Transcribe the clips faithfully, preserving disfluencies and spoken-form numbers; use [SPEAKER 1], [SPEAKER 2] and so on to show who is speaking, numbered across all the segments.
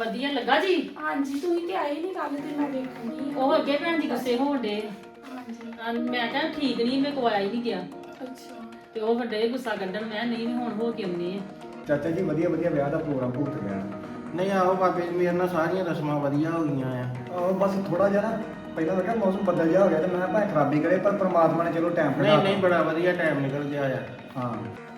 [SPEAKER 1] ਵਧੀਆ ਲੱਗਾ ਜੀ।
[SPEAKER 2] ਹਾਂਜੀ ਤੁਸੀਂ ਤੇ ਆਏ ਨਹੀਂ ਕੱਲ ਤੇ ਮੈਂ ਵੇਖਣੀ
[SPEAKER 1] ਉਹ ਅੱਗੇ ਭੈਣ ਜੀ ਗੁੱਸੇ ਹੋਣ ਡੇ।
[SPEAKER 2] ਹਾਂਜੀ
[SPEAKER 1] ਮੈਂ ਕਿਹਾ ਠੀਕ ਨਹੀਂ, ਮੇਰੇ ਕੋਲ ਆਇਆ ਹੀ ਨਹੀਂ ਗਿਆ
[SPEAKER 2] ਅੱਛਾ
[SPEAKER 1] ਤੇ ਉਹ ਵੱਡੇ ਗੁੱਸਾ ਕੱਢਣ। ਮੈਂ ਨਹੀਂ ਹੁਣ ਹੋ ਕੇ ਆਉਣੀ ਆ।
[SPEAKER 3] ਚਾਚਾ ਜੀ ਵਧੀਆ ਵਧੀਆ ਵਿਆਹ ਦਾ ਪ੍ਰੋਗਰਾਮ ਭੁਗਤ ਗਿਆ।
[SPEAKER 4] ਨਹੀਂ ਆਹੋ ਬਾਬੇ ਜੀ ਮੇਰੇ ਨਾਲ ਸਾਰੀਆਂ ਰਸਮਾਂ ਵਧੀਆ ਹੋ ਗਈਆਂ ਆ।
[SPEAKER 3] ਆਹ ਬਸ ਥੋੜਾ ਜਿਹਾ ਨਾ ਪਹਿਲਾਂ ਲੱਗਿਆ ਮੌਸਮ ਬੱਦਲ ਜਿਹਾ ਹੋ ਗਿਆ ਤੇ ਮੈਂ ਭਾਵੇਂ ਖਰਾਬੀ ਕਰੇ ਪਰ ਪ੍ਰਮਾਤਮਾ ਨੇ ਚਲੋ ਟਾਈਮ
[SPEAKER 4] ਨਹੀਂ ਨਹੀਂ ਬੜਾ ਵਧੀਆ ਟਾਈਮ ਨਿਕਲ ਗਿਆ ਆ।
[SPEAKER 3] ਹਾਂ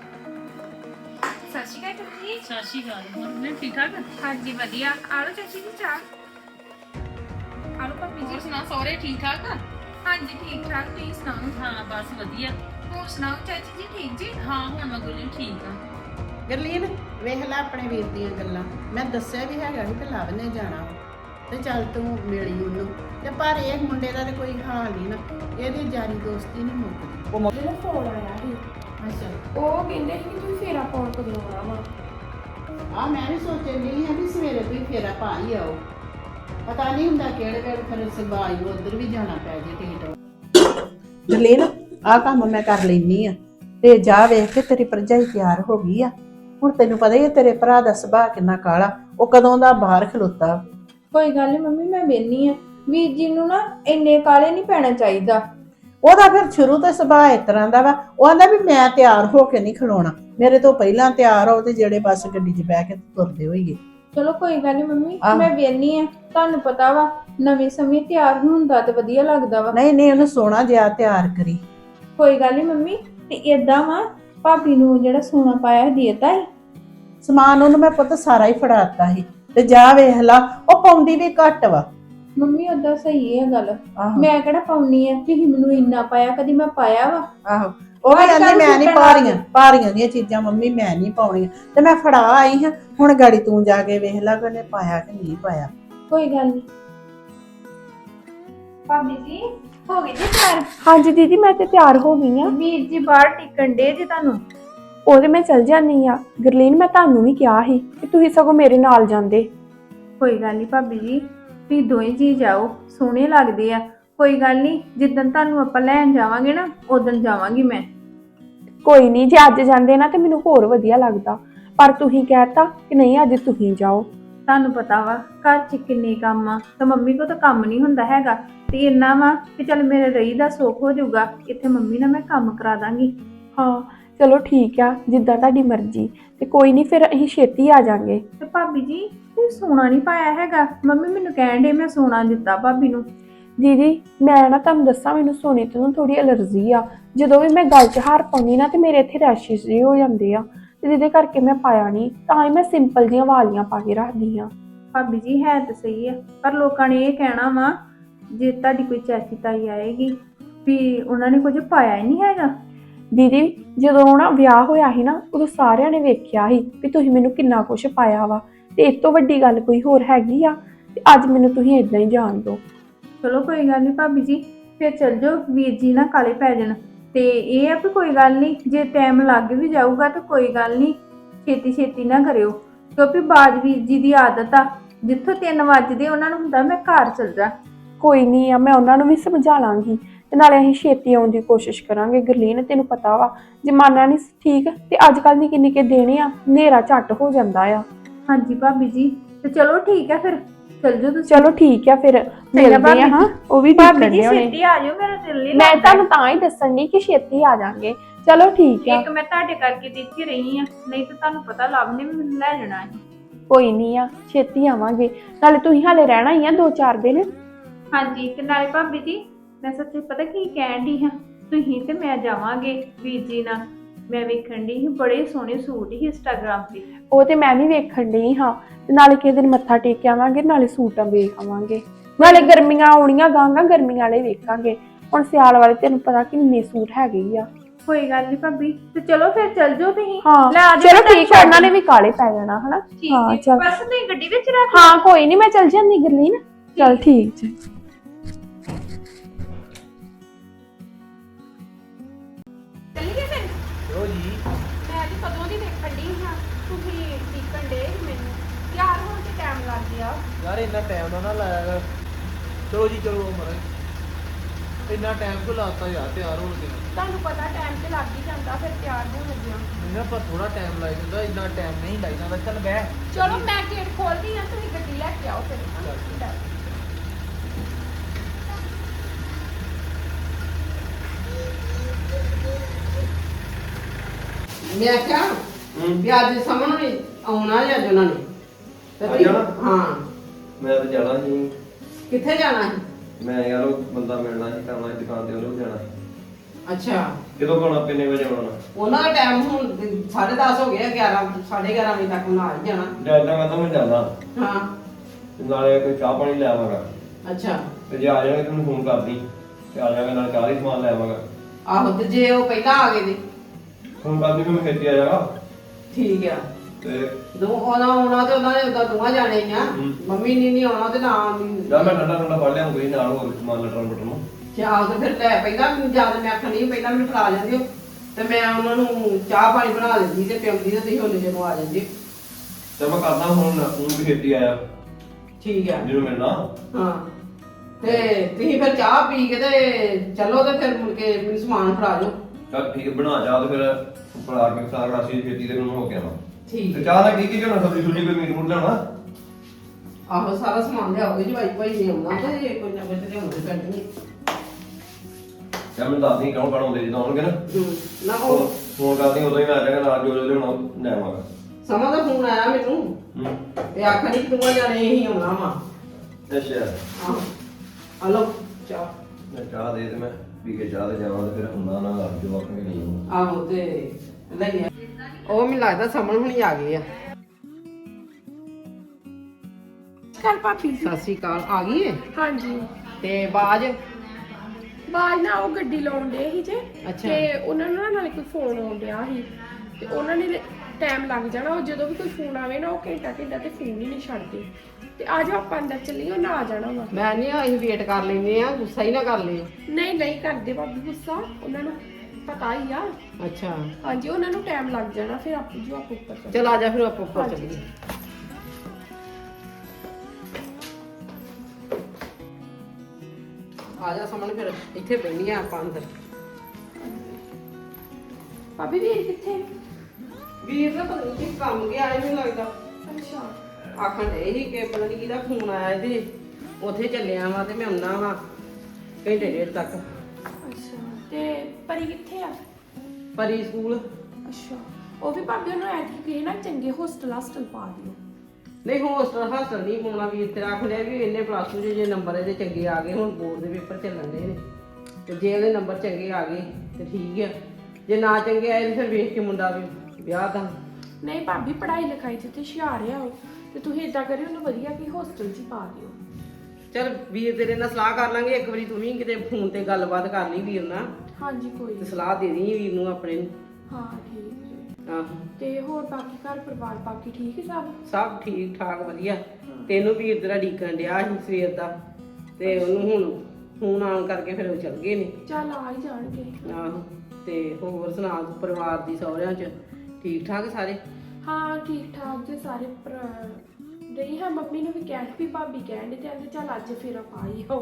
[SPEAKER 2] ਸਤਿ ਸ਼੍ਰੀ ਅਕਾਲ ਜੀ।
[SPEAKER 1] ਸਤਿ ਸ਼੍ਰੀ ਅਕਾਲ। ਹੋਰ ਨੇ ਠੀਕ ਠਾਕ?
[SPEAKER 2] ਹਾਂਜੀ ਵਧੀਆ। ਆਲੋ ਚਾਚੀ ਜੀ ਚਾਹ। ਆਲੋ ਭਾਬੀ ਜੀ।
[SPEAKER 1] ਹੋਰ ਸੁਣਾ, ਸਹੁਰੇ ਠੀਕ ਠਾਕ?
[SPEAKER 2] ਹਾਂਜੀ ਠੀਕ ਠਾਕ ਤੁਸੀਂ ਸੁਣਾਓ।
[SPEAKER 1] ਹਾਂ ਬਸ ਵਧੀਆ।
[SPEAKER 2] ਹੋਰ ਸੁਣਾਓ ਚਾਚੀ ਜੀ ਠੀਕ ਜੀ।
[SPEAKER 1] ਹਾਂ ਹੁਣ ਮੈਂ ਗੁੱਲੀ ਠੀਕ ਆ।
[SPEAKER 5] ਗਰਲੀਨ ਵੇਖ ਲੈ ਆਪਣੇ ਵੀਰ ਦੀਆਂ ਗੱਲਾਂ। ਮੈਂ ਦੱਸਿਆ ਵੀ ਹੈਗਾ ਸੀ ਕਿ ਲਵ ਨੇ ਜਾਣਾ ਤੇ ਚੱਲ ਤੂੰ ਮਿਲੀ ਉਹਨੂੰ ਤੇ ਪਰ ਇਹ ਮੁੰਡੇ ਦਾ ਤੇ ਕੋਈ ਹਾਲ ਨਹੀਂ ਨਾ, ਇਹਦੀ ਯਾਰੀ ਦੋਸਤੀ ਨਹੀਂ ਮੁੱਕਦੀ।
[SPEAKER 3] ਉਹ
[SPEAKER 2] ਮੇਰਾ ਫੋਨ ਆਇਆ ਸੀ।
[SPEAKER 5] ਅੱਛਾ
[SPEAKER 2] ਉਹ ਕਹਿੰਦੇ ਸੀ ਕਿ ਤੁਸੀਂ ਫੇਰਾ ਪਾਉਣ ਕਦੋਂ ਆਉਣਾ ਵਾ।
[SPEAKER 5] ਆ ਮੈਂ ਵੀ ਸੋਚਣ ਡਈ ਹਾਂ ਵੀ ਸਵੇਰੇ ਤੁਸੀਂ ਫੇਰਾ ਪਾ ਹੀ ਆਓ। ਪਤਾ ਨਹੀਂ ਹੁੰਦਾ ਕਿਹੜੇ ਵੇਲੇ ਫਿਰ ਸਬਾਈ ਉਧਰ ਵੀ ਜਾਣਾ ਪੈ ਜੇ ਟਿਕਟ। ਗਰਲੀਨ ਆਹ ਕੰਮ ਮੈਂ ਕਰ ਲੈਣੀ ਆ ਤੇ ਜਾ ਵੇਖ ਕੇ ਤੇਰੀ ਭਰਜਾਈ ਤਿਆਰ ਹੋ ਗਈ ਆ। ਹੁਣ ਤੈਨੂੰ ਪਤਾ ਹੀ ਹੈ ਤੇਰੇ ਭਰਾ ਦਾ ਸੁਭਾਅ ਕਿੰਨਾ ਕਾਲਾ, ਉਹ ਕਦੋਂ ਦਾ ਬਾਹਰ ਖਲੋਤਾ।
[SPEAKER 6] ਕੋਈ ਗੱਲ ਨਹੀਂ ਮੰਮੀ, ਮੈਂ ਵੇਖਨੀ ਆ ਵੀਰ ਜੀ ਨੂੰ ਨਾ ਇੰਨੇ ਕਾਲੇ ਨਹੀਂ ਪੈਣਾ ਚਾਹੀਦਾ।
[SPEAKER 5] ਉਹਦਾ ਫਿਰ ਸ਼ੁਰੂ ਤੋਂ ਸੁਭਾਅ ਇਸ ਤਰ੍ਹਾਂ ਦਾ ਵਾ, ਉਹ ਆਂਦਾ ਵੀ ਮੈਂ ਤਿਆਰ ਹੋ ਕੇ ਨਹੀਂ ਖਲੋਣਾ, ਮੇਰੇ ਤੋਂ ਪਹਿਲਾਂ ਤਿਆਰ ਹੋ ਤੇ ਜਿਹੜੇ ਬੱਸ ਗੱਡੀ 'ਚ ਬਹਿ ਕੇ ਤੁਰਦੇ ਹੋਈਏ।
[SPEAKER 6] ਚਲੋ ਕੋਈ ਗੱਲ ਨਹੀਂ ਮੰਮੀ,
[SPEAKER 5] ਆਹੋ।
[SPEAKER 6] ਮੈਂ ਵੇਖਨੀ ਆ। ਤੁਹਾਨੂੰ ਪਤਾ ਵਾ ਨਵੇਂ ਸਮੇਂ ਤਿਆਰ ਹੁੰਦਾ ਤੇ ਵਧੀਆ ਲੱਗਦਾ ਵਾ।
[SPEAKER 5] ਨਹੀਂ ਨਹੀਂ ਉਹਨੂੰ ਸੋਹਣਾ ਜਿਹਾ ਤਿਆਰ ਕਰੀ।
[SPEAKER 6] ਕੋਈ ਗੱਲ ਨਹੀਂ ਮੰਮੀ, ਤੇ ਏਦਾਂ ਵਾ ਭਾਬੀ ਨੂੰ ਜਿਹੜਾ ਸੋਨਾ ਪਾਇਆ ਦੇਤਾ ਹੀ।
[SPEAKER 5] ਸਮਾਨ ਉਹਨੂੰ ਮੈਂ ਪੁੱਤ ਸਾਰਾ ਹੀ ਫੜਾਤਾ ਸੀ ਤੇ ਜਾ ਵੇਖ ਲਾ ਉਹ ਪਾਉਂਦੀ ਵੀ ਘੱਟ ਵਾ।
[SPEAKER 6] ਮੰਮੀ ਓਦਾਂ ਸਹੀ ਹੈ ਗੱਲ।
[SPEAKER 5] ਆਹੋ
[SPEAKER 6] ਮੈਂ ਕਿਹੜਾ ਪਾਉਣੀ ਆ, ਤੁਸੀਂ ਮੈਨੂੰ ਇੰਨਾ ਪਾਇਆ, ਕਦੀ ਮੈਂ ਪਾਇਆ ਵਾ।
[SPEAKER 5] ਆਹੋ ਉਹ ਵੀ ਕਹਿੰਦੀ ਮੈਂ ਨਹੀਂ ਭਾਰੀਆਂ ਭਾਰੀਆਂ ਦੀਆਂ ਚੀਜ਼ਾਂ ਮੰਮੀ ਮੈਂ ਨਹੀਂ ਪਾਉਣੀਆਂ ਤੇ ਮੈਂ ਫੜਾ ਆਈ ਹਾਂ। ਹੁਣ ਗਾੜੀ ਤੂੰ ਜਾ ਕੇ ਵੇਖ ਲਾ ਕਿ ਉਹਨੇ ਪਾਇਆ ਕਿ ਨਹੀਂ ਪਾਇਆ।
[SPEAKER 6] ਕੋਈ ਗੱਲ ਨਹੀਂ।
[SPEAKER 2] ਭਾਬੀ ਜੀ ਹੋ ਗਈ ਜੀ ਤਿਆਰ।
[SPEAKER 6] ਹਾਂਜੀ ਦੀਦੀ ਮੈਂ ਤੇ ਤਿਆਰ ਹੋ ਗਈ ਆ।
[SPEAKER 2] ਵੀਰ ਜੀ ਬਾਹਰ ਟਿਕਣ ਡੇ ਜੀ ਤੁਹਾਨੂੰ।
[SPEAKER 6] ਉਹਦੇ ਮੈਂ ਚਲ ਜਾਨੀ ਆ। ਗਰਲੀਨ ਮੈਂ ਤੁਹਾਨੂੰ ਵੀ ਕਿਹਾ ਸੀ ਕਿ ਤੁਸੀਂ ਸਗੋਂ ਮੇਰੇ ਨਾਲ ਜਾਂਦੇ।
[SPEAKER 2] ਕੋਈ ਗੱਲ ਨਹੀਂ ਭਾਬੀ ਜੀ, ਤੁਸੀਂ ਦੋਵੇਂ ਜੀ ਜਾਓ, ਸੋਹਣੇ ਲੱਗਦੇ ਆ। ਕੋਈ ਗੱਲ ਨਹੀਂ, ਜਿੱਦਣ ਤੁਹਾਨੂੰ ਆਪਾਂ ਲੈਣ ਜਾਵਾਂਗੇ ਨਾ ਉਦੋਂ ਜਾਵਾਂਗੀ ਮੈਂ।
[SPEAKER 6] ਕੋਈ ਨਹੀਂ, ਜੇ ਅੱਜ ਜਾਂਦੇ ਨਾ ਤੇ ਮੈਨੂੰ ਹੋਰ ਵਧੀਆ ਲੱਗਦਾ, ਪਰ ਤੁਸੀਂ ਕਹਿਤਾ ਕਿ ਨਹੀਂ ਅੱਜ ਤੁਸੀਂ ਜਾਓ।
[SPEAKER 2] ਤੁਹਾਨੂੰ ਪਤਾ ਵਾ ਘਰ 'ਚ ਕਿੰਨੇ ਕੰਮ ਆ ਤੇ ਮੰਮੀ ਕੋ ਤਾਂ ਕੰਮ ਨਹੀਂ ਹੁੰਦਾ ਹੈਗਾ, ਤੇ ਇੰਨਾ ਵਾ ਕਿ ਚੱਲ ਮੇਰੇ ਰਹੀ ਦਾ ਸੁੱਖ ਹੋ ਜਾਊਗਾ। ਇੱਥੇ ਮੰਮੀ ਨਾਲ ਮੈਂ ਕੰਮ ਕਰਾ ਦਾਂਗੀ।
[SPEAKER 6] ਹਾਂ ਚਲੋ ਠੀਕ ਆ, ਜਿੱਦਾਂ ਤੁਹਾਡੀ ਮਰਜ਼ੀ। ਤੇ ਕੋਈ ਨਹੀਂ ਫਿਰ ਅਸੀਂ ਛੇਤੀ ਆ ਜਾਾਂਗੇ।
[SPEAKER 2] ਤੇ ਭਾਬੀ ਜੀ ਤੁਸੀਂ ਸੋਨਾ ਨਹੀਂ ਪਾਇਆ ਹੈਗਾ। ਮੰਮੀ ਮੈਨੂੰ ਕਹਿਣ ਡੇ ਮੈਂ ਸੋਨਾ ਦਿੱਤਾ ਭਾਬੀ ਨੂੰ।
[SPEAKER 6] ਦੀਦੀ ਮੈਂ ਨਾ ਤੁਹਾਨੂੰ ਦੱਸਾਂ, ਮੈਨੂੰ ਸੋਨੇ ਤੋਂ ਥੋੜੀ ਐਲਰਜੀ ਆ। ਜਦੋਂ ਵੀ ਮੈਂ ਗਲ 'ਚ ਹਾਰ ਪਾਉਂਦੀ ਨਾ ਤੇ ਮੇਰੇ ਇੱਥੇ ਰੈਸ਼ਿਸ ਜਿਹੇ ਹੋ ਜਾਂਦੇ ਆ, ਤੇ ਜਿਹਦੇ ਕਰਕੇ ਮੈਂ ਪਾਇਆ ਨਹੀਂ। ਤਾਂ ਹੀ ਮੈਂ ਸਿੰਪਲ ਜਿਹੀਆਂ ਵਾਲੀਆਂ ਪਾ ਕੇ ਰੱਖਦੀ ਆ।
[SPEAKER 2] ਭਾਬੀ ਜੀ ਹੈ ਤਾਂ ਸਹੀ ਆ, ਪਰ ਲੋਕਾਂ ਨੇ ਇਹ ਕਹਿਣਾ ਵਾ ਜੇ ਤੁਹਾਡੀ ਕੋਈ ਚਾਚੀ ਤਾਈ ਆਏਗੀ ਵੀ ਉਹਨਾਂ ਨੇ ਕੁਝ ਪਾਇਆ ਹੀ ਨਹੀਂ ਹੈਗਾ।
[SPEAKER 6] ਦੀਦੀ ਜਦੋਂ ਨਾ ਵਿਆਹ ਹੋਇਆ ਸੀ ਨਾ, ਉਦੋਂ ਸਾਰਿਆਂ ਨੇ ਵੇਖਿਆ ਸੀ ਵੀ ਤੁਸੀਂ ਮੈਨੂੰ ਕਿੰਨਾ ਕੁਛ ਪਾਇਆ ਵਾ, ਤੇ ਇਸ ਤੋਂ ਵੱਡੀ ਗੱਲ ਕੋਈ ਹੋਰ ਹੈਗੀ ਆ। ਤੇ ਅੱਜ ਮੈਨੂੰ ਤੁਸੀਂ ਇਦਾਂ ਹੀ ਜਾਣ ਦਿਓ।
[SPEAKER 2] ਚਲੋ ਕੋਈ ਗੱਲ ਨਹੀਂ ਭਾਬੀ ਜੀ, ਫਿਰ ਚੱਲ ਜਾਓ। ਵੀਰ ਜੀ ਨਾ ਕਾਲੇ ਪੈ ਜਾਣ ਤੇ ਇਹ ਆ ਵੀ ਕੋਈ ਗੱਲ ਨਹੀਂ, ਜੇ ਟਾਈਮ ਲੱਗ ਵੀ ਜਾਊਗਾ ਤਾਂ ਕੋਈ ਗੱਲ ਨਹੀਂ, ਛੇਤੀ ਛੇਤੀ ਨਾ ਕਰਿਓ, ਕਿਉਂਕਿ ਬਾਜ ਵੀਰ ਜੀ ਦੀ ਆਦਤ ਆ ਜਿੱਥੋਂ ਤਿੰਨ ਵੱਜਦੇ ਉਹਨਾਂ ਨੂੰ ਹੁੰਦਾ ਮੈਂ ਘਰ ਚੱਲ ਜਾ।
[SPEAKER 6] ਕੋਈ ਨਹੀਂ ਆ, ਮੈਂ ਉਹਨਾਂ ਨੂੰ ਵੀ ਸਮਝਾ ਲਾਂਗੀ ਤੇ ਨਾਲੇ ਅਸੀਂ ਛੇਤੀ ਆਉਣ ਦੀ ਕੋਸ਼ਿਸ਼ ਕਰਾਂਗੇ। ਗਰਲੀਨ ਤੈਨੂੰ ਪਤਾ ਵਾ ਜ਼ਮਾਨਾ ਨਹੀਂ ਠੀਕ, ਤੇ ਅੱਜ ਕੱਲ੍ਹ ਨਿੱਕੇ ਨਿੱਕੇ ਦਿਨ ਆ, ਹਨੇਰਾ ਝੱਟ ਹੋ ਜਾਂਦਾ ਆ।
[SPEAKER 2] ਹਾਂਜੀ ਭਾਬੀ ਜੀ, ਤੇ ਚਲੋ ਠੀਕ ਆ ਫਿਰ ਚੱਲ ਜਾਓ ਤੁਸੀਂ।
[SPEAKER 6] ਚਲੋ ਠੀਕ ਆ ਫਿਰ ਮਿਲਦੇ ਆ। ਹਾਂ ਉਹ ਵੀ
[SPEAKER 2] ਭਾਬੀ ਜੀ ਛੇਤੀ ਆ ਜਾਓ, ਮੇਰਾ ਦਿਲ ਨਹੀਂ
[SPEAKER 6] ਮੈਂ
[SPEAKER 2] ਲੱਗਦਾ।
[SPEAKER 6] ਤੁਹਾਨੂੰ ਤਾਂ ਹੀ ਦੱਸਣ ਦੀ ਕਿ ਛੇਤੀ ਆ ਜਾਾਂਗੇ। ਚਲੋ ਠੀਕ ਆ।
[SPEAKER 2] ਇੱਕ ਮੈਂ ਤੁਹਾਡੇ ਕਰਕੇ ਦੇਖੀ ਰਹੀ ਆ, ਨਹੀਂ ਤਾਂ ਤੁਹਾਨੂੰ ਪਤਾ ਲੱਭ ਨੇ ਵੀ ਮੈਨੂੰ ਲੈ ਜਾਣਾ ਹੈ।
[SPEAKER 6] ਕੋਈ ਨਹੀਂ ਆ, ਛੇਤੀ ਆਵਾਂਗੇ। ਨਾਲੇ ਤੁਸੀਂ ਹਾਲੇ ਰਹਿਣਾ ਹੀ ਆ ਦੋ ਚਾਰ ਦਿਨ।
[SPEAKER 2] ਹਾਂਜੀ ਤੇ ਨਾਲੇ ਭਾਬੀ ਜੀ ਮੈਂ ਸੱਚੀ ਪਤਾ ਕੀ ਕਹਿਣ ਦੀ ਹਾਂ, ਤੁਸੀਂ ਤੇ ਮੈਂ ਜਾਵਾਂਗੇ ਵੀਰ ਜੀ ਨਾਲ। ਮੈਂ ਵੇਖਣ ਦੀ ਸੀ ਬੜੇ ਸੋਹਣੇ ਸੂਟ ਹੀ ਇੰਸਟਾਗ੍ਰਾਮ ਤੇ।
[SPEAKER 6] ਉਹ ਤੇ ਮੈਂ ਵੀ ਵੇਖਣ ਡਈ ਹਾਂ, ਤੇ ਨਾਲੇ ਕਿਸੇ ਦਿਨ ਮੱਥਾ ਟੇਕ ਕੇ ਆਵਾਂਗੇ, ਨਾਲੇ ਸੂਟਾਂ ਵੇਖ ਆਵਾਂਗੇ। ਨਾਲੇ ਗਰਮੀਆਂ ਆਉਣੀਆਂ ਗਾਂਗਾ, ਗਰਮੀਆਂ ਵਾਲੇ ਵੇਖਾਂਗੇ। ਹੁਣ ਸਿਆਲ ਵਾਲੇ ਤੈਨੂੰ ਪਤਾ ਕਿੰਨੇ ਸੂਟ ਹੈਗੇ ਹੀ ਆ।
[SPEAKER 2] ਕੋਈ ਗੱਲ ਨਹੀਂ ਭਾਬੀ, ਤੇ ਚਲੋ ਫਿਰ ਚੱਲ ਜਾਓ ਤੁਸੀਂ।
[SPEAKER 6] ਹਾਂ
[SPEAKER 2] ਲੈ ਆ ਜਾਓ।
[SPEAKER 6] ਚਲੋ ਠੀਕ ਆ, ਉਹਨਾਂ ਨੇ ਵੀ ਕਾਲੇ ਪੈ ਜਾਣਾ ਹਨਾ। ਹਾਂ ਚਲ,
[SPEAKER 2] ਬਸ ਤੁਸੀਂ ਗੱਡੀ ਵਿੱਚ ਰੱਖ।
[SPEAKER 6] ਹਾਂ ਕੋਈ ਨਹੀਂ, ਮੈਂ ਚੱਲ ਜਾਂਦੀ ਗਰਲੀਨ। ਚਲ ਠੀਕ ਜੀ।
[SPEAKER 2] ਚੱਲੀਏ ਫਿਰ।
[SPEAKER 4] ਚਲੋ ਜੀ।
[SPEAKER 2] ਮੈਂ ਅੱਜ ਕਦੋਂ ਦੀ ਵੇਖਣ ਦੀ ਹਾਂ, ਤੁਸੀਂ ਟਿਕਣ ਡੇ ਮੈਨੂੰ ਤਿਆਰ ਹੋਣ ਤੇ ਟਾਈਮ ਲੱਗ ਗਿਆ।
[SPEAKER 4] ਯਾਰ ਇੰਨਾ ਟਾਈਮ ਨਾ ਨਾ ਲਾਇਆ ਕਰ। ਚਲੋ ਜੀ ਚਲੋ ਮਹਾਰਾਜ, ਇੰਨਾ ਟਾਈਮ ਕਿਉਂ ਲਾਤਾ ਯਾਰ ਤਿਆਰ ਹੋਣ ਦੇ।
[SPEAKER 2] ਤੁਹਾਨੂੰ ਪਤਾ ਟਾਈਮ ਤੇ ਲੱਗ ਹੀ ਜਾਂਦਾ ਫਿਰ ਤਿਆਰ ਹੋਣ ਲੱਗਿਆ।
[SPEAKER 4] ਇਹਨਾਂ ਪਰ ਥੋੜਾ ਟਾਈਮ ਲੱਗ ਜਾਂਦਾ, ਇੰਨਾ ਟਾਈਮ ਨਹੀਂ ਲੱਗ ਜਾਂਦਾ। ਚੱਲ ਬਹਿ।
[SPEAKER 2] ਚਲੋ ਮੈਂ ਗੇਟ ਖੋਲਦੀ ਹਾਂ, ਤੁਸੀਂ ਗੱਡੀ ਲੈ
[SPEAKER 5] ਮੈਂ ਕਿਹਾ ਵੀ ਅੱਜ ਸਮਣ ਵੀ ਆਉਣਾ ਜਾਂ ਉਹਨਾਂ ਨੇ ਤੇ
[SPEAKER 7] ਅੱਜ
[SPEAKER 5] ਤੁਸੀਂ-
[SPEAKER 7] ਆਉਣਾ?
[SPEAKER 5] ਹਾਂ
[SPEAKER 7] ਮੈਂ ਤਾਂ ਜਾਣਾ ਸੀ।
[SPEAKER 5] ਕਿੱਥੇ ਜਾਣਾ ਹੈ?
[SPEAKER 7] ਮੈਂ ਯਾਰ ਉਹ ਬੰਦਾ ਮਿਲਣਾ ਸੀ ਕੰਮ ਵਾਲੀ ਦੁਕਾਨ ਤੇ ਉਹਨੂੰ ਜਾਣਾ ਸੀ।
[SPEAKER 5] ਅੱਛਾ
[SPEAKER 7] ਕਿਦੋਂ ਕੋਣਾ ਕਿੰਨੇ ਵਜੇ ਆਉਣਾ?
[SPEAKER 5] ਉਹਨਾਂ ਦਾ ਟਾਈਮ ਹੁਣ ਸਾਢੇ ਦਸ ਹੋ ਗਿਆ, ਗਿਆਰਾਂ ਸਾਢੇ ਗਿਆਰਾਂ ਵਜੇ ਤੱਕ ਉਹਨਾਂ ਆ ਹੀ ਜਾਣਾ।
[SPEAKER 7] ਜਾਂਦਾ ਮੈਂ ਤਾਂ ਮੈਂ ਜਾਂਦਾ
[SPEAKER 5] ਹਾਂ
[SPEAKER 7] ਤੇ ਨਾਲੇ ਕੋਈ ਚਾਹ ਪਾਣੀ ਲੈ ਆਵਾਂਗਾ
[SPEAKER 5] ਅੱਛਾ
[SPEAKER 7] ਤੇ ਜੇ ਆ ਜਾਵਾਂਗੇ ਤੈਨੂੰ ਫੋਨ ਕਰਦੀ ਤੇ ਆ ਜਾਵਾਂਗਾ ਨਾਲ ਚਾਹ ਹੀ ਸਮਾਨ ਲੈ ਆਵਾਂਗਾ।
[SPEAKER 5] ਆਹੋ ਤੇ ਜੇ ਉਹ ਪਹਿਲਾਂ ਆ ਗਏ ਤੇ
[SPEAKER 7] ਫੋਨ ਕਰਦੀ ਫਿਰ ਮੈਂ ਖੇਤੀ ਆ ਜਾਵਾਂਗਾ
[SPEAKER 5] ਠੀਕ ਆ।
[SPEAKER 7] ਤੇ
[SPEAKER 5] ਦੋ ਉਹਨਾਂ ਆਉਣਾ ਤੇ ਉਹਨਾਂ ਨੇ ਉਦਾਂ ਦੋਵਾਂ ਜਾਣੇ ਹੀ ਆ।
[SPEAKER 7] ਹੂੰ।
[SPEAKER 5] ਮੰਮੀ ਨੇ ਨਹੀਂ ਆਉਣਾ ਤੇ ਨਾ
[SPEAKER 7] ਜਾਂ ਮੈਂ ਠੰਡਾ ਠੰਡਾ ਫੜ ਲਿਆਉਂਗਾ ਜੀ ਨਾਲ ਹੋਰ ਸਮਾਨ ਲਟਰ ਬਟਰ ਨੂੰ।
[SPEAKER 5] ਚਾਹ ਤੇ ਫਿਰ ਲੈ ਪਹਿਲਾਂ ਮੈਨੂੰ ਜਦ ਮੈਂ ਆਖਣੀ ਪਹਿਲਾਂ ਮੈਨੂੰ ਫੜਾ ਜਾਂਦੇ ਹੋ ਤੇ ਮੈਂ ਉਹਨਾਂ ਨੂੰ ਚਾਹ ਪਾਣੀ ਬਣਾ ਦਿੰਦੀ ਤੇ ਪਿਉਂਦੀ ਤੇ ਤੁਸੀਂ ਉਹਨੇ ਜਦੋਂ ਆ ਜਾਂਦੇ।
[SPEAKER 7] ਤੇ ਮੈਂ ਕਰਦਾ ਹੁਣ ਹੁਣ ਵੀ ਖੇਤੀ ਆਇਆ
[SPEAKER 5] ਠੀਕ ਆ
[SPEAKER 7] ਜਿਹਨੂੰ ਮਿਲਣਾ।
[SPEAKER 5] ਹਾਂ ਤੇ ਤੁਸੀਂ ਫਿਰ ਚਾਹ ਪੀ ਕੇ ਤੇ ਚੱਲੋ ਤੇ ਫਿਰ ਮੁੜ ਕੇ ਮੈਨੂੰ ਸਮਾਨ ਫੜਾ ਜਾਓ।
[SPEAKER 7] ਚੱਲ ਠੀਕ ਹੈ, ਬਣਾ ਜਾ ਤੇ ਫਿਰ ਉੱਪਰ ਆ ਕੇ ਸਾਰਾ ਰਾਸੀ ਖੇਤੀ ਦੇ ਨੂੰ ਹੋ ਗਿਆ ਵਾ।
[SPEAKER 5] ਠੀਕ
[SPEAKER 7] ਤੇ ਚਾਹ ਦਾ ਕੀ ਕੀ ਹੋਣਾ? ਸਬਜ਼ੀ ਸੁਬਜ਼ੀ ਕੋਈ ਮੀਟ ਮੂਟ ਲਿਆਉਣਾ?
[SPEAKER 5] ਆਹੋ ਸਾਰਾ ਸਮਾਨ ਲਿਆਓਗੇ ਜੀ ਭਾਈ ਭਾਈ ਨੇ ਆਉਣਾ ਤੇ ਕੋਈ ਨਾ ਕੋਈ ਤੇ ਲਿਆਉਂਦੇ ਪੈਣੀ।
[SPEAKER 7] ਜਾਂ ਮੈਂ ਦੱਸਦੀ ਕੌਣ ਕੌਣ ਆਉਂਦੇ ਜਦੋਂ ਆਉਣਗੇ ਨਾ।
[SPEAKER 5] ਨਾ ਉਹ
[SPEAKER 7] ਫੋਨ ਕਰਦੀ ਉਦੋਂ ਹੀ ਮੈਂ ਆ ਜਾਗਾ ਨਾਲ ਜੋ ਜੋ ਲਿਆਉਣਾ ਲੈ ਆਵਾਂਗਾ।
[SPEAKER 5] ਸਮਾਂ ਦਾ ਫੋਨ ਆਇਆ ਮੈਨੂੰ
[SPEAKER 7] ਹੂੰ
[SPEAKER 5] ਤੇ ਆਖਣੀ ਕਿ ਦੋਵਾਂ ਜਾਣੇ ਹੀ ਆਉਣਾ ਵਾ।
[SPEAKER 7] ਅੱਛਾ
[SPEAKER 5] ਆਹੋ ਹਲੋ ਚਾਹ।
[SPEAKER 7] ਮੈਂ ਚਾਹ ਦੇ ਤੇ ਮੈਂ ਪੀ ਕੇ ਚਾਹ ਤੇ ਜਾਵਾਂ ਤੇ ਫਿਰ ਹੁੰਦਾ ਨਾ ਲੱਗ ਜੋ ਆਖਣਗੇ ਨਹੀਂ ਆਉਣਾ।
[SPEAKER 5] ਆਹੋ ਤੇ ਲਈ ਆ। ਉਹ ਮੈਨੂੰ ਲੱਗਦਾ ਸਮਣ ਹੁਣੀ ਆ ਗਏ ਆ।
[SPEAKER 6] ਕੱਲ ਭਾਬੀ
[SPEAKER 5] ਸਤਿ ਸ਼੍ਰੀ ਅਕਾਲ ਆ ਗਈ ਏ
[SPEAKER 6] ਹਾਂਜੀ
[SPEAKER 5] ਤੇ ਬਾਜ
[SPEAKER 6] ਬਾਅਦ ਨਾ ਉਹ ਗੱਡੀ ਲਾਉਣ ਦੇ ਸੀ ਜੇ
[SPEAKER 5] ਅੱਛਾ।
[SPEAKER 6] ਤੇ ਉਹਨਾਂ ਨੂੰ ਨਾ ਨਾਲੇ ਕੋਈ ਫੋਨ ਆਉਣ ਡਿਆ ਸੀ ਤੇ ਉਹਨਾਂ ਨੇ ਟਾਈਮ ਲੱਗ ਜਾਣਾ। ਉਹ ਜਦੋਂ ਵੀ ਕੋਈ ਫੋਨ ਆਵੇ ਨਾ ਉਹ ਘੰਟਾ ਘੰਟਾ ਤੇ ਫੋਨ ਹੀ ਨਹੀਂ ਛੱਡਦੇ। ਤੇ ਆ ਜਾਓ ਆਪਾਂ ਅੰਦਰ ਚੱਲੀਏ, ਉਹਨਾਂ ਆ ਜਾਣਾ ਵਾ।
[SPEAKER 5] ਮੈਂ ਨਹੀਂ ਅਸੀਂ ਵੇਟ ਕਰ ਲੈਨੇ ਆ, ਗੁੱਸਾ ਹੀ ਨਾ ਕਰ ਲਿਓ।
[SPEAKER 6] ਨਹੀਂ ਨਹੀਂ ਕਰਦੇ ਭਾਬੀ ਗੁੱਸਾ, ਉਹਨਾਂ ਨੂੰ ਪਤਾ ਹੀ ਆ।
[SPEAKER 5] ਅੱਛਾ
[SPEAKER 6] ਹਾਂਜੀ ਉਹਨਾਂ ਨੂੰ ਟਾਈਮ ਲੱਗ ਜਾਣਾ, ਫਿਰ ਆਪੂ ਜੋ ਆਪ ਉੱਪਰ ਚੱਲ
[SPEAKER 5] ਚਲ ਆ ਜਾ ਫਿਰ ਆਪਾਂ ਉੱਪਰ
[SPEAKER 6] ਹਾਂਜੀ।
[SPEAKER 5] ਚੱਲੀਏ। ਆ ਜਾ ਸਮਣ ਫਿਰ ਇੱਥੇ ਬੈਠੀ ਆ ਆਪਾਂ ਅੰਦਰ।
[SPEAKER 6] ਭਾਬੀ ਵੀਰ ਕਿੱਥੇ?
[SPEAKER 5] ਵੀਰ ਦਾ ਪਤਾ ਨਹੀਂ ਕਿ ਕੰਮ ਗਿਆ ਇਹ ਮੈਨੂੰ ਲੱਗਦਾ।
[SPEAKER 6] ਅੱਛਾ
[SPEAKER 5] ਆਖਣ ਦੇ ਸੀ ਕਿ ਪਤਾ ਨਹੀਂ ਕਿਹਦਾ ਫੋਨ ਆਇਆ ਇਹਦੇ ਉੱਥੇ ਚੱਲਿਆ ਵਾ ਤੇ ਮੈਂ ਆਉਣਾ ਵਾ ਘੰਟੇ ਡੇਢ ਤੱਕ।
[SPEAKER 6] ਅੱਛਾ ਤੇ ਪਰੀ ਕਿੱਥੇ ਆ?
[SPEAKER 5] ਪਰੀ ਸਕੂਲ
[SPEAKER 6] ਅੱਛਾ ਉਹ ਵੀ ਭਾਬੀ ਉਹਨੂੰ ਐਡ ਕਿ ਨਾ ਚੰਗੇ ਹੋਸਟਲ ਹਾਸਟਲ ਪਾ ਦਿਓ।
[SPEAKER 5] ਨਹੀਂ ਹੋਸਟਲ ਹਾਸਟਲ ਨਹੀਂ ਪਾਉਣਾ। ਵੀਰ ਤੇ ਰੱਖ ਲਿਆ ਵੀ ਇੰਨੇ ਪਲੱਸ ਟੂ ਜੇ ਨੰਬਰ ਇਹਦੇ ਚੰਗੇ ਆ ਗਏ, ਹੁਣ ਬੋਰਡ ਦੇ ਪੇਪਰ ਚੱਲਣ ਦੇ ਨੇ ਤੇ ਜੇ ਇਹਦੇ ਨੰਬਰ ਚੰਗੇ ਆ ਗਏ ਤੇ ਠੀਕ ਆ, ਜੇ ਨਾ ਚੰਗੇ ਆਏ ਫਿਰ ਵੇਖ ਕੇ ਮੁੰਡਾ ਵੀ ਵਿਆਹ ਦਾ।
[SPEAKER 6] ਨਹੀਂ ਭਾਬੀ ਪੜ੍ਹਾਈ ਲਿਖਾਈ 'ਚ ਤੇ ਹੁਸ਼ਿਆਰ ਆ ਉਹ, ਤੇ ਤੁਸੀਂ ਇਦਾਂ ਕਰਿਓ ਉਹਨੂੰ ਵਧੀਆ ਕਿ ਹੋਸਟਲ 'ਚ ਹੀ ਪਾ ਦਿਓ।
[SPEAKER 5] ਚਲ ਵੀਰ ਤੇਰੇ ਨਾਲ ਸਲਾਹ ਕਰ ਲਾਂਗੇ ਇੱਕ ਵਾਰੀ, ਤੂੰ ਵੀ ਕਿਤੇ ਫੋਨ ਤੇ ਗੱਲਬਾਤ ਕਰ ਲਈ ਵੀਰ ਨਾਲ
[SPEAKER 6] ਹਾਂਜੀ ਕੋਈ
[SPEAKER 5] ਤੇ
[SPEAKER 6] ਨੀ।
[SPEAKER 5] ਸਲਾਹ ਦੇ ਦੇਈਂ ਵੀਰ ਨੂੰ ਆਪਣੇ ਨੂੰ।
[SPEAKER 6] ਹਾਂ ਠੀਕ ਜੀ।
[SPEAKER 5] ਆਹੋ
[SPEAKER 6] ਤੇ ਹੋਰ ਬਾਕੀ ਘਰ ਪਰਿਵਾਰ ਬਾਕੀ ਠੀਕ ਹੈ ਸਭ?
[SPEAKER 5] ਸਭ ਠੀਕ ਠਾਕ ਵਧੀਆ। ਤੈਨੂੰ ਵੀਰ ਤੇਰਾ ਡੀਕਣ ਡਿਆ ਸੀ ਸਵੇਰ ਦਾ ਤੇ ਉਹਨੂੰ ਹੁਣ ਫੋਨ ਆਉਣ ਕਰਕੇ ਫਿਰ ਉਹ ਚੱਲ ਗਏ ਨੇ।
[SPEAKER 6] ਚੱਲ ਆ ਹੀ ਜਾਣਗੇ।
[SPEAKER 5] ਆਹੋ ਤੇ ਹੋਰ ਸੁਣਾ ਤੂੰ ਪਰਿਵਾਰ ਦੀ ਸਹੁਰਿਆਂ ਚ ਠੀਕ ਠਾਕ ਸਾਰੇ?
[SPEAKER 6] ਹਾਂ ਠੀਕ ਠਾਕ ਜੇ ਸਾਰੇ ਭਰਾ ਰਹੀ ਹਾਂ। ਮੰਮੀ ਨੂੰ ਵੀ ਕਹਿਣ ਵੀ ਭਾਬੀ ਕਹਿਣ ਦੇ ਤੇ ਕਹਿੰਦੇ ਚੱਲ ਅੱਜ ਫੇਰ ਆਪਾਂ ਆਈ ਹੋ।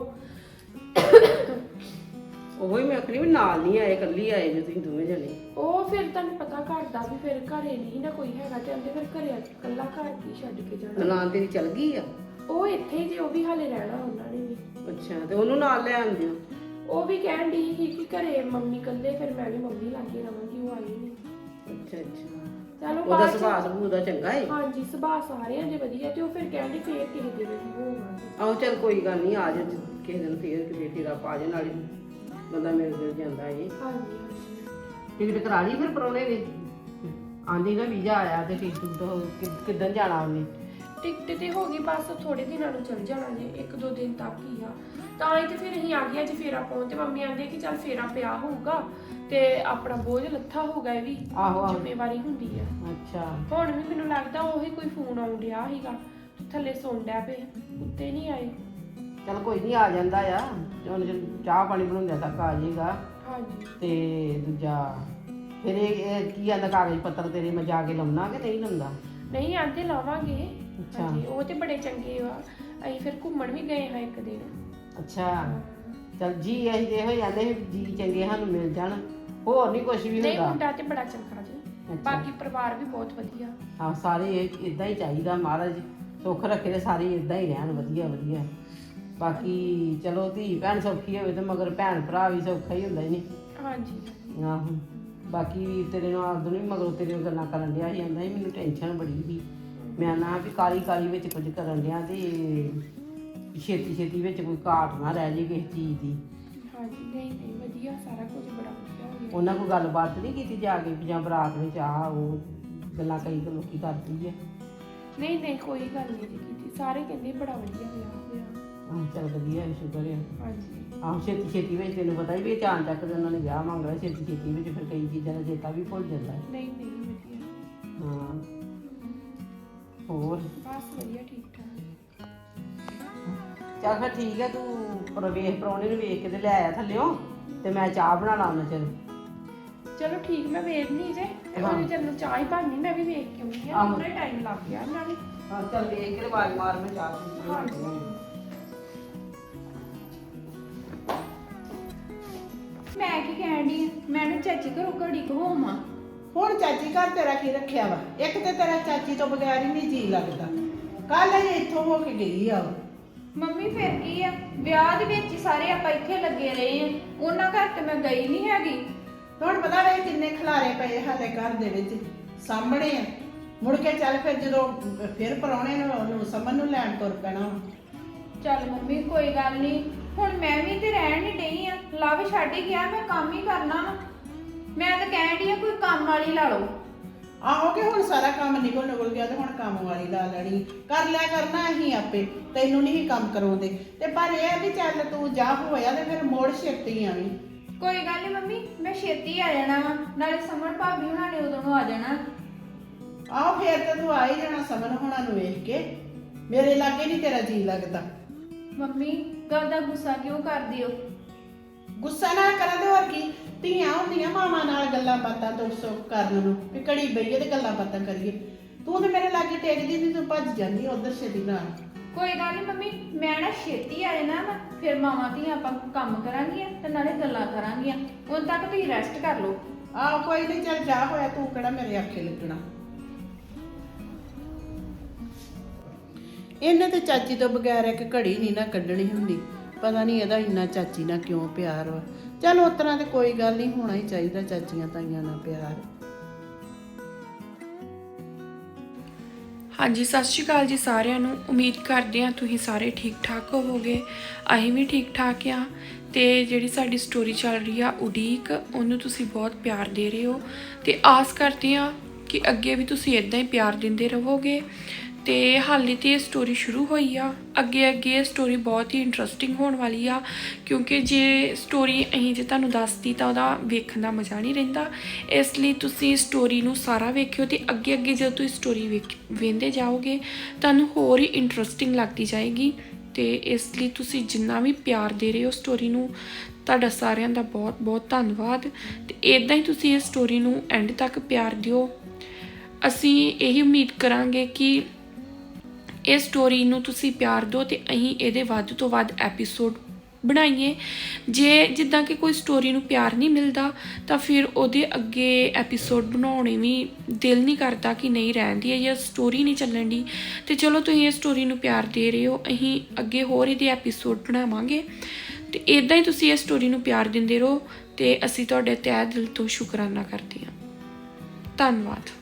[SPEAKER 5] ਉਹੀ ਮੈਂ ਆਖਣੀ ਵੀ ਨਾਲ ਨਹੀਂ ਆਏ, ਇਕੱਲੀ ਆਏ ਜੇ ਤੁਸੀਂ ਦੋਵੇਂ ਜਣੇ।
[SPEAKER 6] ਉਹ ਫਿਰ ਤੁਹਾਨੂੰ ਪਤਾ ਘਰ ਦਾ ਵੀ ਫਿਰ ਘਰੇ ਨਹੀਂ ਨਾ ਕੋਈ ਹੈਗਾ ਤੇ ਕਹਿੰਦੇ ਫਿਰ ਘਰੇ ਇਕੱਲਾ ਘਰ ਕੀ ਛੱਡ ਕੇ ਜਾਣਾ।
[SPEAKER 5] ਨਨਾਣ ਤੇਰੀ ਚੱਲ ਗਈ ਆ?
[SPEAKER 6] ਉਹ ਇੱਥੇ ਹੀ ਜੇ ਉਹ ਵੀ ਹਾਲੇ ਰਹਿਣਾ ਉਹਨਾਂ ਨੇ ਵੀ।
[SPEAKER 5] ਅੱਛਾ ਤੇ ਉਹਨੂੰ ਨਾਲ ਲੈ ਆਉਂਦੇ ਹੋ?
[SPEAKER 6] ਉਹ ਵੀ ਕਹਿਣ ਦੀ ਸੀ ਕਿ ਘਰੇ ਮੰਮੀ ਇਕੱਲੇ, ਫਿਰ ਮੈਂ ਵੀ ਮੰਮੀ ਲਾਗੇ ਰਵਾਂਗੀ। ਉਹ ਆਈ ਨਹੀਂ।
[SPEAKER 5] ਅੱਛਾ ਅੱਛਾ
[SPEAKER 6] ਚਲੋ
[SPEAKER 5] ਉਹਦਾ
[SPEAKER 6] ਬਾਅਦ 'ਚ-
[SPEAKER 5] ਸੁਭਾਅ ਸੁਭੂ ਦਾ ਚੰਗਾ ਏ?
[SPEAKER 6] ਹਾਂਜੀ ਸੁਭਾਅ ਸਾਰਿਆਂ ਦੇ ਵਧੀਆ ਤੇ ਉਹ ਫਿਰ ਕਹਿੰਦੇ ਫੇਰ ਕਿਸੇ ਦੇ ਵੀ ਹੋਵਾਂਗੇ।
[SPEAKER 5] ਆਹੋ ਚੱਲ ਕੋਈ ਗੱਲ ਨਹੀਂ, ਆ ਜਾ ਕਿਸੇ ਦਿਨ ਫੇਰ ਕਿਤੇ ਫੇਰਾ ਪਾ ਜੇ, ਨਾਲੇ ਬੰਦਾ ਮਿਲ ਗਿਲ ਜਾਂਦਾ ਏ।
[SPEAKER 6] ਹਾਂਜੀ ਹਾਂਜੀ
[SPEAKER 5] ਟਿਕਟ ਕਰਾ ਲਈ ਫਿਰ ਪਰੋਣੇ ਨੇ? ਆਂਦੀ ਨਾ ਵੀਜ਼ਾ ਆਇਆ ਤੇ ਟਿਕਟ ਤੋਂ ਕਿੱਦਣ ਜਾਣਾ ਉਹਨੇ?
[SPEAKER 6] ਟਿਕਟ ਤੇ ਹੋ ਗਈ, ਬਸ ਥੋੜੇ ਦਿਨਾਂ ਨੂੰ ਚੱਲ ਜਾਣਾ ਜੇ, ਇੱਕ ਦੋ ਦਿਨ ਤੱਕ ਹੀ ਆ। ਤਾਂ ਹੀ ਤੇ ਫਿਰ ਅਸੀਂ ਆ ਗਏ ਅੱਜ ਫੇਰਾ ਪਾਉਣ ਤੇ ਮੰਮੀ ਆਂਦੇ ਕਿ ਚੱਲ ਫੇਰਾ ਪਿਆ ਹੋਊਗਾ ਤੇ ਆਪਣਾ ਬੋਝ ਲੱਥਾ ਹੋਊਗਾ। ਇਹ ਵੀ
[SPEAKER 5] ਆਹੋ ਆਹੋ
[SPEAKER 6] ਜ਼ਿੰਮੇਵਾਰੀ ਹੁੰਦੀ ਆ।
[SPEAKER 5] ਅੱਛਾ
[SPEAKER 6] ਹੁਣ ਵੀ ਮੈਨੂੰ ਲੱਗਦਾ ਉਹੀ ਕੋਈ ਫੋਨ ਆਉਣ ਡਿਆ ਸੀਗਾ, ਥੱਲੇ ਸੌਣ ਡਿਆ ਪਏ, ਉੱਤੇ ਨਹੀਂ ਆਏ।
[SPEAKER 5] ਚੱਲ ਕੋਈ ਨਹੀਂ ਆ ਜਾਂਦਾ ਆ, ਹੁਣ ਜਦੋਂ ਚਾਹ ਪਾਣੀ ਬਣਾਉਂਦੇ ਤੱਕ ਆ ਜਾਏਗਾ।
[SPEAKER 6] ਹਾਂਜੀ
[SPEAKER 5] ਤੇ ਦੂਜਾ ਫਿਰ ਇਹ ਇਹ ਕੀ ਆਂਦਾ ਕਾਗਜ਼ ਪੱਤਰ ਤੇਰੇ ਮੈਂ ਜਾ ਕੇ ਲਾਉਣਾ ਕਿ ਨਹੀਂ ਲਾਉਂਦਾ?
[SPEAKER 6] ਨਹੀਂ ਆਂਦੇ ਲਾਵਾਂਗੇ।
[SPEAKER 5] ਅੱਛਾ।
[SPEAKER 6] ਹਾਂਜੀ ਉਹ ਤੇ ਬੜੇ ਚੰਗੇ ਆ। ਅਸੀਂ ਫਿਰ ਘੁੰਮਣ ਵੀ ਗਏ ਹਾਂ ਇੱਕ ਦਿਨ।
[SPEAKER 5] ਅੱਛਾ ਚੱਲ ਜੀ ਅਸੀਂ ਤੇ ਇਹੋ ਹੀ ਜਾਂਦੇ ਜੀ ਚੰਗੇ ਸਾਨੂੰ ਮਿਲ ਜਾਣ, ਹੋਰ ਨਹੀਂ ਕੁਝ ਵੀ
[SPEAKER 6] ਨਹੀਂ
[SPEAKER 5] ਹੁੰਦਾ।
[SPEAKER 6] ਮੁੰਡਾ ਤੇ ਬੜਾ ਚੰਗਾ ਜੀ,
[SPEAKER 5] ਅੱਛਾ।
[SPEAKER 6] ਬਾਕੀ ਪਰਿਵਾਰ ਵੀ ਬਹੁਤ ਵਧੀਆ।
[SPEAKER 5] ਹਾਂ ਸਾਰੇ ਇਦਾਂ ਹੀ ਚਾਹੀਦਾ, ਮਹਾਰਾਜ ਸੁੱਖ ਰੱਖੇ ਤੇ ਸਾਰੇ ਇਦਾਂ ਹੀ ਰਹਿਣ ਵਧੀਆ ਵਧੀਆ। ਬਾਕੀ ਚਲੋ ਧੀ ਭੈਣ ਸੌਖੀ ਹੋਵੇ ਤੇ ਮਗਰ ਭੈਣ ਭਰਾ ਵੀ ਸੌਖਾ ਹੀ ਹੁੰਦਾ ਹੀ ਨਹੀਂ।
[SPEAKER 6] ਹਾਂਜੀ
[SPEAKER 5] ਆਹੋ ਬਾਕੀ ਵੀਰ ਤੇਰੇ ਨਾਲ ਆਦੂ ਨਹੀਂ ਮਗਰੋਂ ਤੇਰੀਆਂ ਗੱਲਾਂ ਕਰਨ ਡਿਆ ਸੀ ਆਂਦਾ ਸੀ ਮੈਨੂੰ ਟੈਨਸ਼ਨ ਬੜੀ ਸੀ ਮੈਂ ਨਾ ਵੀ ਕਾਲੀ ਕਾਲੀ ਵਿੱਚ ਕੁਝ ਕਰਨ ਡਿਆ ਤੇ ਛੇਤੀ ਛੇਤੀ ਵਿੱਚ ਕੋਈ ਘਾਟ ਨਾ ਰਹਿ ਜੇ ਕਿਸੇ ਚੀਜ਼ ਦੀ।
[SPEAKER 6] ਹਾਂਜੀ ਨਹੀਂ ਨਹੀਂ ਵਧੀਆ ਸਾਰਾ ਕੁਝ ਬੜਾ ਵਧੀਆ ਹੋ ਗਿਆ।
[SPEAKER 5] ਉਹਨਾਂ ਕੋਈ ਗੱਲਬਾਤ ਨਹੀਂ ਕੀਤੀ ਜਾ ਕੇ ਵੀ ਜਾਂ ਬਰਾਤ ਵਿੱਚ ਆ ਉਹ ਗੱਲਾਂ ਕਈ ਲੋਕੀ ਕਰਦੀ ਹੈ।
[SPEAKER 6] ਨਹੀਂ ਨਹੀਂ ਕੋਈ ਗੱਲ ਨਹੀਂ ਜੀ ਕੀਤੀ, ਸਾਰੇ ਕਹਿੰਦੇ ਬੜਾ ਵਧੀਆ ਵਿਆਹ ਹੋਇਆ।
[SPEAKER 5] ਆਹ ਚੱਲ ਵਧੀਆ ਹੈ, ਸ਼ੁਕਰ ਹੈ।
[SPEAKER 6] ਹਾਂਜੀ
[SPEAKER 5] ਆਹ ਛੇਤੀ ਛੇਤੀ ਵਿੱਚ ਤੈਨੂੰ ਪਤਾ ਹੀ ਵੀ ਅਚਾਨਕ ਤੱਕ ਉਹਨਾਂ ਨੇ ਵਿਆਹ ਮੰਗ ਲਿਆ ਛੇਤੀ ਛੇਤੀ ਵਿੱਚ ਫਿਰ ਕਈ ਚੀਜ਼ਾਂ ਦਾ ਚੇਤਾ ਵੀ ਭੁੱਲ ਜਾਂਦਾ ਹੈ।
[SPEAKER 6] ਨਹੀਂ ਨਹੀਂ ਵਧੀਆ
[SPEAKER 5] ਹਾਂ ਹੋਰ
[SPEAKER 6] ਬਸ ਵਧੀਆ ਠੀਕ ਠਾਕ।
[SPEAKER 5] ਚੱਲ ਫਿਰ ਠੀਕ ਹੈ ਤੂੰ ਪ੍ਰਵੇਸ਼ ਪ੍ਰਾਹੁਣੇ ਨੂੰ ਵੇਖ ਕੇ ਤੇ ਲੈ ਆਇਆ ਥੱਲਿਓ ਤੇ ਮੈਂ ਚਾਹ ਬਣਾ ਲਾ ਉਹਨਾਂ ਚਿਰ।
[SPEAKER 6] ਚਲੋ ਠੀਕ ਮੈਂ ਵੇਖ ਨਹੀਂ ਜੇ ਉਹਨੇ ਜਦੋਂ ਚਾਹ ਹੀ ਬਣਨੀ ਮੈਂ ਵੀ ਵੇਖ ਕੇ ਆਉਂਦੀ ਹਾਂ।
[SPEAKER 5] ਆਹੋ।
[SPEAKER 6] ਪੂਰਾ ਟਾਈਮ ਲੱਗ ਗਿਆ ਨਾਲੇ।
[SPEAKER 5] ਹਾਂ ਚੱਲ ਵੇਖ ਕੇ ਆਵਾਜ਼ ਮਾਰ ਮੈਂ ਚਾਹ ਪੀ
[SPEAKER 6] ਹਾਂਜੀ। ਮੈਂ ਕੀ ਕਹਿਣ ਡਈ ਆਂ? ਮੈਂ ਨਾ ਚਾਚੀ ਘਰੋਂ ਘੜੀ ਕੁ ਹੋਵਾਂ।
[SPEAKER 5] ਹੁਣ ਚਾਚੀ ਘਰ ਤੇਰਾ ਕੀ ਰੱਖਿਆ ਵਾ? ਇੱਕ ਤੇ ਤੇਰਾ ਚਾਚੀ ਤੋਂ ਬਗੈਰ ਹੀ ਨਹੀਂ ਜੀ ਲੱਗਦਾ। ਕੱਲ ਇਹ ਇੱਥੋਂ ਹੋ ਕੇ ਗਈ ਆ ਉਹ।
[SPEAKER 2] ਮੰਮੀ ਫਿਰ ਕੀ ਆ, ਵਿਆਹ ਦੇ ਵਿੱਚ ਹੀ ਸਾਰੇ ਆਪਾਂ ਇੱਥੇ ਲੱਗੇ ਰਹੇ ਆ, ਉਹਨਾਂ ਘਰ ਤੇ ਮੈਂ ਗਈ ਨਹੀਂ ਹੈਗੀ।
[SPEAKER 5] ਹੁਣ ਪਤਾ ਵੇ ਕਿੰਨੇ ਖਲਾਰੇ ਪਏ ਹਾਲੇ ਘਰ ਦੇ ਵਿੱਚ ਸਾਹਮਣੇ ਆ। ਮੁੜ ਕੇ ਚੱਲ ਫਿਰ ਜਦੋਂ ਫਿਰ ਪਰੌਣੇ ਨੂੰ ਉਹਨੂੰ ਸਮਨ ਨੂੰ ਲੈਣ ਤੁਰ ਪੈਣਾ।
[SPEAKER 2] ਚੱਲ ਮੰਮੀ ਕੋਈ ਗੱਲ ਨਹੀਂ, ਹੁਣ ਮੈਂ ਵੀ ਤੇ ਰਹਿਣ ਨਹੀਂ ਡਈ ਆ, ਲਵ ਛੱਡ ਹੀ ਗਿਆ, ਮੈਂ ਕੰਮ ਹੀ ਕਰਨਾ ਵਾ। ਮੈਂ ਤਾਂ ਕਹਿਣ ਡਈ ਆ ਕੋਈ ਕੰਮ ਵਾਲੀ ਲਾ ਲਓ।
[SPEAKER 5] ਆਹੋ ਕਿ ਹੁਣ ਸਾਰਾ ਕੰਮ ਨਿਕਲ ਨਿਕਲ ਗਿਆ ਤੇ ਹੁਣ ਕੰਮ ਵਾਲੀ ਲਾ ਲੈਣੀ। ਕਰ ਲਿਆ ਕਰਨਾ ਅਸੀਂ ਆਪੇ, ਤੈਨੂੰ ਨਹੀਂ ਕੰਮ ਕਰਾਉਂਦੇ। ਤੇ ਪਰ ਇਹ ਆ ਵੀ ਚੱਲ ਤੂੰ ਜਾ ਹੋਇਆ ਤੇ ਫਿਰ ਮੋੜ ਛੇਤੀ ਆਵੀਂ।
[SPEAKER 2] ਕੋਈ ਗੱਲ ਨਹੀਂ ਮੰਮੀ, ਮੈਂ ਛੇਤੀ ਆ ਜਾਣਾ ਵਾ, ਨਾਲੇ ਸਮਰ ਭਾਬੀ ਹੁਣਾਂ ਨੇ ਉਦੋਂ ਨੂੰ ਆ ਜਾਣਾ।
[SPEAKER 5] ਆਹੋ ਫੇਰ ਤੇ ਤੂੰ ਆ ਹੀ ਜਾਣਾ ਸਮਨ ਹੋਣਾ ਨੂੰ ਵੇਖ ਕੇ। ਮੇਰੇ ਲਾਗੇ ਨਹੀਂ ਤੇਰਾ ਜੀ ਲੱਗਦਾ।
[SPEAKER 2] ਮੰਮੀ ਗੱਲ ਦਾ ਗੁੱਸਾ ਕਿਉਂ ਕਰਦੀ ਹੋ?
[SPEAKER 5] ਗੁੱਸਾ ਨਾ ਕਰਾਂ ਤੇ ਹੋਰ ਕੀ, ਧੀਆਂ ਹੁੰਦੀਆਂ ਮਾਵਾਂ ਨਾਲ ਗੱਲਾਂ ਬਾਤਾਂ ਤੋਂ ਸੁੱਖ ਕਰਨ ਨੂੰ ਵੀ ਘੜੀ ਬਈਏ ਤੇ ਗੱਲਾਂ ਬਾਤਾਂ ਕਰੀਏ। ਤੂੰ ਤੇ ਮੇਰੇ ਲਾਗੇ ਟੇਕਦੀ ਨਹੀਂ, ਤੂੰ ਭੱਜ ਜਾਂਦੀ ਉਧਰ ਛੇਤੀ ਨਾਲ।
[SPEAKER 2] ਕੋਈ ਗੱਲ ਨਹੀਂ ਮੰਮੀ, ਮੈਂ ਨਾ ਛੇਤੀ ਆ ਜਾਣਾ ਵਾ, ਫਿਰ ਮਾਵਾਂ ਧੀਆਂ ਆਪਾਂ ਕੰਮ ਕਰਾਂਗੀਆਂ ਤੇ ਨਾਲੇ ਗੱਲਾਂ ਕਰਾਂਗੀਆਂ। ਉਦੋਂ ਤੱਕ ਤੁਸੀਂ ਰੈਸਟ ਕਰ ਲਓ।
[SPEAKER 5] ਆਹੋ ਕੋਈ ਨਹੀਂ, ਚੱਲ ਜਾ ਹੋਇਆ, ਤੂੰ ਕਿਹੜਾ ਮੇਰੇ ਆਖੇ ਲੱਗਣਾ। ਇਹਨੇ ਤੇ ਚਾਚੀ ਤੋਂ ਬਗੈਰ ਇੱਕ ਘੜੀ ਨਹੀਂ ਨਾ ਕੱਢਣੀ ਹੁੰਦੀ। ਪਤਾ ਨਹੀਂ ਇਹਦਾ ਇੰਨਾ ਚਾਚੀ ਨਾਲ ਕਿਉਂ ਪਿਆਰ ਵਾ। ਚਲ ਉਸ ਤਰ੍ਹਾਂ ਤੇ ਕੋਈ ਗੱਲ ਨਹੀਂ, ਹੋਣਾ ਹੀ ਚਾਹੀਦਾ ਚਾਚੀਆਂ ਤਾਈਆਂ ਨਾਲ ਪਿਆਰ।
[SPEAKER 6] ਹਾਂਜੀ ਸਤਿ ਸ਼੍ਰੀ ਅਕਾਲ ਜੀ ਸਾਰਿਆਂ ਨੂੰ। ਉਮੀਦ ਕਰਦੇ ਹਾਂ ਤੁਸੀਂ ਸਾਰੇ ਠੀਕ ਠਾਕ ਹੋਵੋਗੇ। ਅਸੀਂ ਵੀ ਠੀਕ ਠਾਕ ਆ। ਤੇ ਜਿਹੜੀ ਸਾਡੀ ਸਟੋਰੀ ਚੱਲ ਰਹੀ ਆ ਉਡੀਕ, ਉਹਨੂੰ ਤੁਸੀਂ ਬਹੁਤ ਪਿਆਰ ਦੇ ਰਹੇ ਹੋ ਤੇ ਆਸ ਕਰਦੇ ਹਾਂ ਕਿ ਅੱਗੇ ਵੀ ਤੁਸੀਂ ਇਦਾਂ ਹੀ ਪਿਆਰ ਦਿੰਦੇ ਰਹੋਗੇ। ਤੇ ਹਾਲੇ ਤੇ ਇਹ ਸਟੋਰੀ ਸ਼ੁਰੂ ਹੋਈ ਆ, ਅੱਗੇ ਅੱਗੇ ਇਹ ਸਟੋਰੀ ਬਹੁਤ ਹੀ ਇੰਟਰਸਟਿੰਗ ਹੋਣ ਵਾਲੀ ਆ, ਕਿਉਂਕਿ ਜੇ ਸਟੋਰੀ ਅਸੀਂ ਜੇ ਤੁਹਾਨੂੰ ਦੱਸਦੀ ਤਾਂ ਉਹਦਾ ਵੇਖਣ ਦਾ ਮਜ਼ਾ ਨਹੀਂ ਰਹਿੰਦਾ। ਇਸ ਲਈ ਤੁਸੀਂ ਸਟੋਰੀ ਨੂੰ ਸਾਰਾ ਵੇਖਿਓ ਤੇ ਅੱਗੇ ਅੱਗੇ ਜਦੋਂ ਤੁਸੀਂ ਸਟੋਰੀ ਵੇਖ ਵੇਖਦੇ ਜਾਓਗੇ ਤੁਹਾਨੂੰ ਹੋਰ ਹੀ ਇੰਟਰਸਟਿੰਗ ਲੱਗਦੀ ਜਾਏਗੀ। ਤੇ ਇਸ ਲਈ ਤੁਸੀਂ ਜਿੰਨਾ ਵੀ ਪਿਆਰ ਦੇ ਰਹੇ ਹੋ ਸਟੋਰੀ ਨੂੰ, ਤੁਹਾਡਾ ਸਾਰਿਆਂ ਦਾ ਬਹੁਤ ਬਹੁਤ ਧੰਨਵਾਦ। ਤੇ ਇਦਾਂ ਹੀ ਤੁਸੀਂ ਇਸ ਸਟੋਰੀ ਨੂੰ ਐਂਡ ਤੱਕ ਪਿਆਰ ਦਿਓ। ਅਸੀਂ ਇਹੀ ਉਮੀਦ ਕਰਾਂਗੇ ਕਿ ਇਹ ਸਟੋਰੀ ਨੂੰ ਤੁਸੀਂ ਪਿਆਰ ਦਿਓ ਤੇ ਅਸੀਂ ਇਹਦੇ ਵੱਧ ਤੋਂ ਵੱਧ ਐਪੀਸੋਡ ਬਣਾਈਏ। ਜੇ ਜਿੱਦਾਂ ਕਿ ਕੋਈ ਸਟੋਰੀ ਨੂੰ ਪਿਆਰ ਨਹੀਂ ਮਿਲਦਾ ਤਾਂ ਫਿਰ ਉਹਦੇ ਅੱਗੇ ਐਪੀਸੋਡ ਬਣਾਉਣੇ ਵੀ ਦਿਲ ਨਹੀਂ ਕਰਦਾ ਕਿ ਨਹੀਂ ਰਹਿੰਦੀ ਹੈ ਜਾਂ ਸਟੋਰੀ ਨਹੀਂ ਚੱਲਣ ਦੀ। ਤੇ ਚਲੋ ਤੁਸੀਂ ਇਹ ਸਟੋਰੀ ਨੂੰ ਪਿਆਰ ਦੇ ਰਹੇ ਹੋ, ਅਸੀਂ ਅੱਗੇ ਹੋਰ ਇਹਦੇ ਐਪੀਸੋਡ ਬਣਾਵਾਂਗੇ। ਤੇ ਇਦਾਂ ਹੀ ਤੁਸੀਂ ਇਹ ਸਟੋਰੀ ਨੂੰ ਪਿਆਰ ਦਿੰਦੇ ਰਹੋ ਤੇ ਅਸੀਂ ਤੁਹਾਡੇ ਤਹਿ ਦਿਲ ਤੋਂ ਸ਼ੁਕਰਾਨਾ ਕਰਦੇ ਹਾਂ। ਧੰਨਵਾਦ।